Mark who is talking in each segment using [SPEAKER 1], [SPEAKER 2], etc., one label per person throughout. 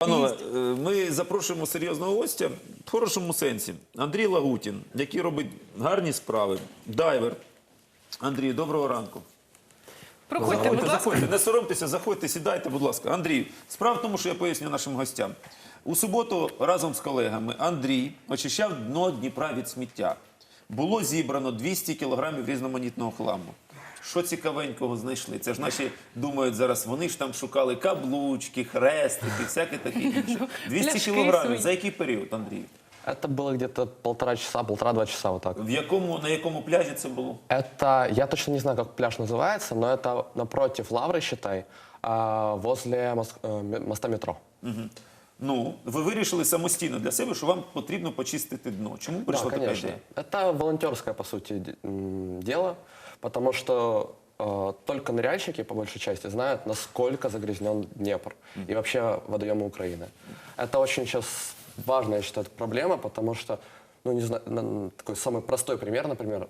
[SPEAKER 1] Панове, ми запрошуємо серйозного гостя в хорошому сенсі. Андрій Лагутін, який робить гарні справи, дайвер. Андрій, доброго ранку.
[SPEAKER 2] Проходьте, будь ласка.
[SPEAKER 1] Заходьте, не соромтеся, заходьте, сідайте, будь ласка. Андрій, справа в тому, що я поясню нашим гостям. У суботу разом з колегами Андрій очищав дно Дніпра від сміття. Було зібрано 200 кілограмів різноманітного хламу. Що цікавенького знайшли? Це ж наші думають зараз, вони ж там шукали каблучки, хрестики, всяке таке інше. 200 кілограмів. За який період, Андрій?
[SPEAKER 3] Это было где-то полтора-два часа вот так.
[SPEAKER 1] На якому пляжі це було?
[SPEAKER 3] Это, я точно не знаю, как пляж называется, но это напротив Лавры, считай, возле моста метро.
[SPEAKER 1] Ну, ви вирішили самостійно для себе, що вам потрібно почистити дно. Чому
[SPEAKER 3] Да,
[SPEAKER 1] прийшла така
[SPEAKER 3] конечно.
[SPEAKER 1] ідея?
[SPEAKER 3] Это волонтерское, по сути, дело, потому что только ныряльщики, по большей части, знают, насколько загрязнен Днепр и вообще водоемы Украины. Это очень сейчас важная, я считаю, проблема, потому что, ну, не знаю, такой самый простой пример, например,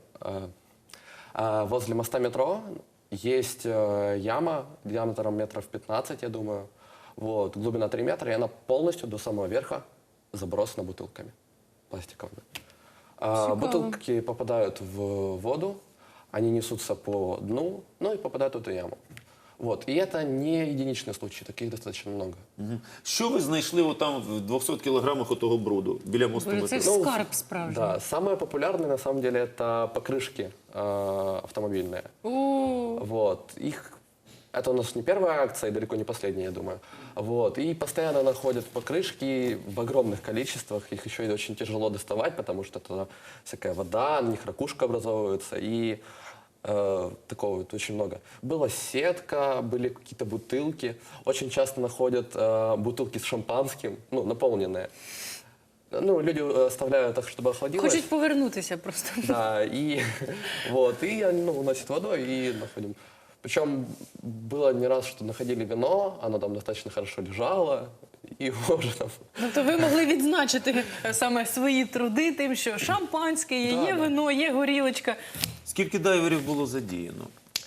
[SPEAKER 3] возле моста метро есть яма диаметром метров 15, я думаю, вот, глубина 3 метра, и она полностью до самого верха забросана бутылками пластиковыми. Бутылки попадают в воду, они несутся по дну, ну и попадают в эту яму. Вот. И это не единичный случай, таких достаточно много.
[SPEAKER 1] Що ви знайшли отам в 200 кілограмах отого бруду біля мосту
[SPEAKER 2] Це
[SPEAKER 1] метро?
[SPEAKER 2] скарб справжній.
[SPEAKER 3] Да, самые популярные на самом деле это покрышки автомобильные. Вот. Это у нас не первая акция и далеко не последняя, я думаю. Вот. И постоянно находят покрышки в огромных количествах. Их еще и очень тяжело доставать, потому что это всякая вода, на них ракушка образовывается. И такого вот очень много. Была сетка, были какие-то бутылки. Очень часто находят бутылки с шампанским, ну, наполненные. Ну, люди оставляют так, чтобы охладилось.
[SPEAKER 2] Хочуть повернутися просто.
[SPEAKER 3] Да, и вот, и они, ну, уносят водой и находим. Причем было не раз, что находили вино, оно там достаточно хорошо лежало, и его уже там...
[SPEAKER 2] Тобто ви могли відзначити саме свої труди тим, що шампанське є, є вино, є горілочка.
[SPEAKER 1] Скільки дайверів було задіяно?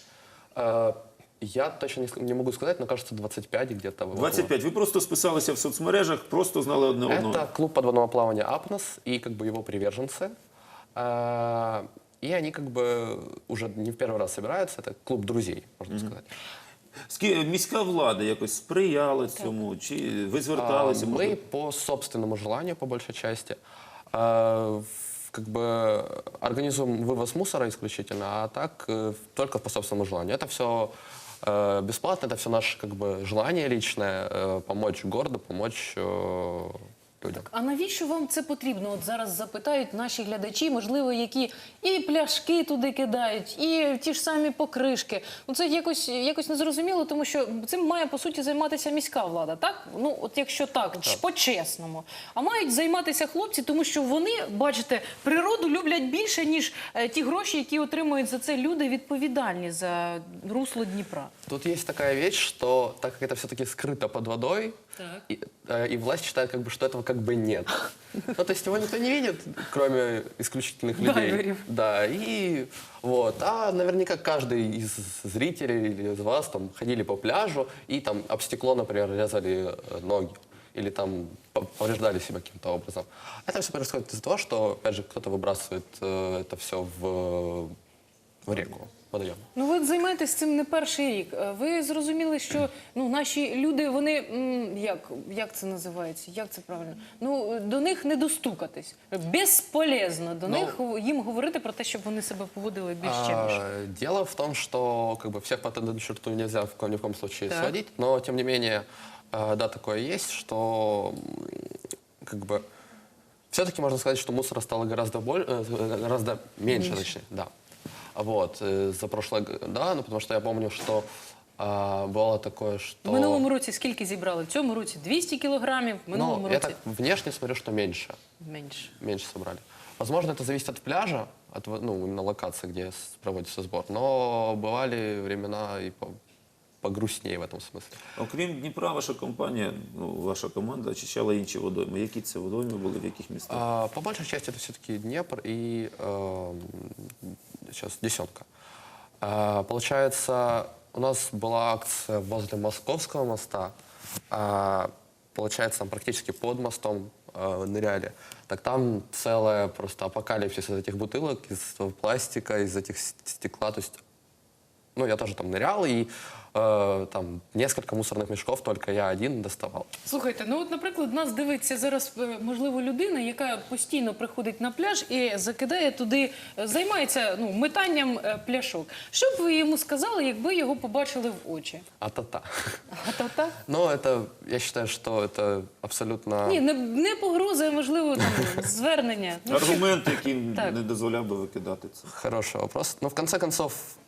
[SPEAKER 3] Я точно не могу сказать, но кажется 25 где-то.
[SPEAKER 1] 25. Ви просто списалися в соцмережах, просто знали одне одного.
[SPEAKER 3] Это клуб подводного плавания «Апнос» и как бы его приверженцы. И они как бы уже не в первый раз собираются. Это клуб друзей, можно сказать.
[SPEAKER 1] Міська влада якось сприяла цьому? Чи ви зверталися?
[SPEAKER 3] Мы по собственному желанию, по большей части, как бы организуем вывоз мусора исключительно, а так только по собственному желанию. Это все бесплатно, это все наше как бы желание личное, помочь городу, помочь людям.
[SPEAKER 2] А навіщо вам це потрібно? От зараз запитають наші глядачі, можливо, які і пляшки туди кидають, і ті ж самі покришки. Ну, це якось незрозуміло, тому що цим має, по суті, займатися міська влада, так? Ну, от якщо так, по-чесному. А мають займатися хлопці, тому що вони, бачите, природу люблять більше, ніж ті гроші, які отримують за це люди, відповідальні за русло Дніпра.
[SPEAKER 3] Тут есть такая вещь, что так как это все-таки скрыто под водой, и власть считает, как бы, что этого как бы нет. Ну, то есть его никто не видит, кроме исключительных людей.
[SPEAKER 2] Дайверов.
[SPEAKER 3] Да, и вот. А наверняка каждый из зрителей или из вас там ходили по пляжу и там об стекло, например, резали ноги. Или там повреждали себя каким-то образом. Это все происходит из-за того, что, опять же, кто-то выбрасывает это все в реку. Водойом.
[SPEAKER 2] Ну, ви займаєтесь цим не перший рік. Ви зрозуміли, що наші люди, вони, як це називається, як це правильно? Ну, до них не достукатись. Безполезно до них їм говорити про те, щоб вони себе поводили більш чемніше.
[SPEAKER 3] Дело в том, что как бы всех по одну черту нельзя ни в коем случае сводить, но тем не менее, да, такое есть, что как бы все-таки можно сказать, что мусора стало гораздо меньше, точнее, да. Вот, за прошлое, да, ну потому что я помню, что бывало такое, что...
[SPEAKER 2] В минулому році скільки зібрали? В цьому році 200 кілограмів, в минулому
[SPEAKER 3] я
[SPEAKER 2] році...
[SPEAKER 3] так внешне смотрю, что меньше.
[SPEAKER 2] Меньше.
[SPEAKER 3] Меньше собрали. Возможно, это зависит от пляжа, от, ну, именно локации, где проводится сбор, но бывали времена и погрустнее в этом смысле.
[SPEAKER 1] Окрім Дніпра, ваша компанія, ваша команда очищала інші водойми. Які це водойми були, в яких містах?
[SPEAKER 3] По большей части это все-таки Днепр и сейчас Десятка. Получается, у нас была акция возле Московского моста. получается, там практически под мостом ныряли, так там целая просто апокалипсис из этих бутылок, из пластика, из этих стекла. То есть, ну, я тоже там нырял, и там несколько мусорных мешков только я один доставал.
[SPEAKER 2] Слухайте, ну от, наприклад, нас дивиться зараз, можливо, людина, яка постійно приходить на пляж і закидає туди, займається метанням пляшок. Що б ви йому сказали, якби його побачили в очі?
[SPEAKER 3] А-та-та.
[SPEAKER 2] А-та-та?
[SPEAKER 3] Но это, я считаю, что это абсолютно...
[SPEAKER 2] Ні, не погроза, а, можливо, там, звернення. Ну, що-
[SPEAKER 1] Аргумент, який
[SPEAKER 2] Так.
[SPEAKER 1] не дозволяв би викидати це.
[SPEAKER 3] Хороший вопрос. Но в конце концов,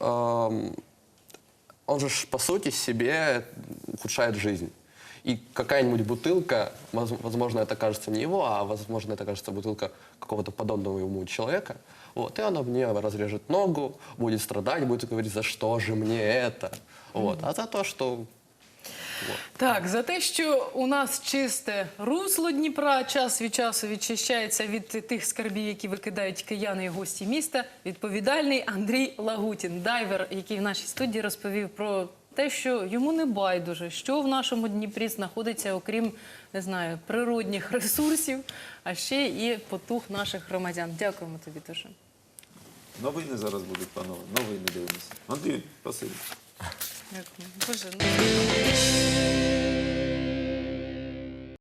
[SPEAKER 3] он же ж, по сути себе ухудшает жизнь. И какая-нибудь бутылка, возможно, это кажется не его, а возможно, это кажется бутылка какого-то подобного ему человека. Вот, и она мне разрежет ногу, будет страдать, будет говорить, за что же мне это. Вот. А за то, что...
[SPEAKER 2] Так, за те, що у нас чисте русло Дніпра час від часу відчищається від тих скарбів, які викидають кияни і гості міста, відповідальний Андрій Лагутін, дайвер, який в нашій студії розповів про те, що йому не байдуже, що в нашому Дніпрі знаходиться, окрім, не знаю, природних ресурсів, а ще і потух наших громадян. Дякуємо тобі дуже.
[SPEAKER 1] Новини зараз будуть, панове. Новини дивимося. Андрій, спасибі.
[SPEAKER 2] Дякую. Боже, ну...